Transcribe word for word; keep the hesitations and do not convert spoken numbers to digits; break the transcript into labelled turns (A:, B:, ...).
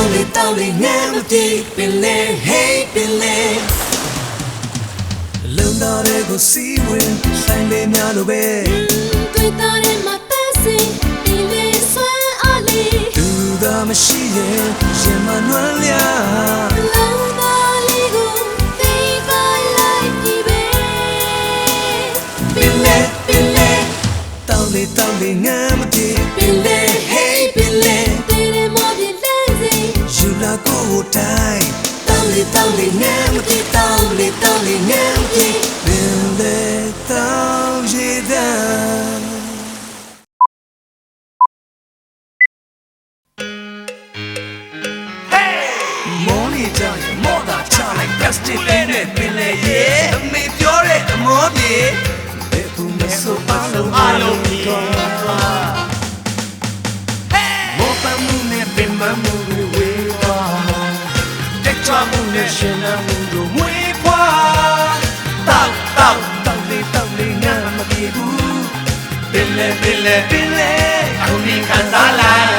A: လေတောင်းလေငမ်းမပြေပင်လေ hey ပင်လေလုံတော်တွေကိုစီးဝင်ဆိုင်လေးများလိုပဲ
B: တွေ့တာတဲ့မှာပဲစီပင်လေဆွမ်းအားလေး
A: သူသာမရှိရင်ရင်မနှွမ်းလျာ
B: လုံတော်လေးကိုသိပါလိုက်ပြီပဲ
A: ပင်လေပင်လေတောင်းလေတောင်းလေငမ်းမပြေပင်လေ hey ပင်လေ
B: တေးရမောပြလဲစီ
A: ယူလာကိုတိုင်းတောင်းလေတောင်းလေငမ်းမပြေတောင်းလေတောင်းလေငမ်းမပြေပင်လေတောင်းရတဲ့မော်နီကြောင့်မော်တာချလိုက် plastic လေးနဲ့ပင်လေရေအမေပြောတဲ့အမောပြေဘယ်သူမဆိုအားလုံးအားလုံးကောမောပမှုနဲ့ပင်မမှုတွေဝေးသွားတက်ချမှုနဲ့ရှင်နာမှုတို့မွေးဖွားတောက်တောက်တောက်လေးတောက်လေးငါမပြေဘူးပင်လေပင်လေပင်လေအခုဒီခံစားလိုက်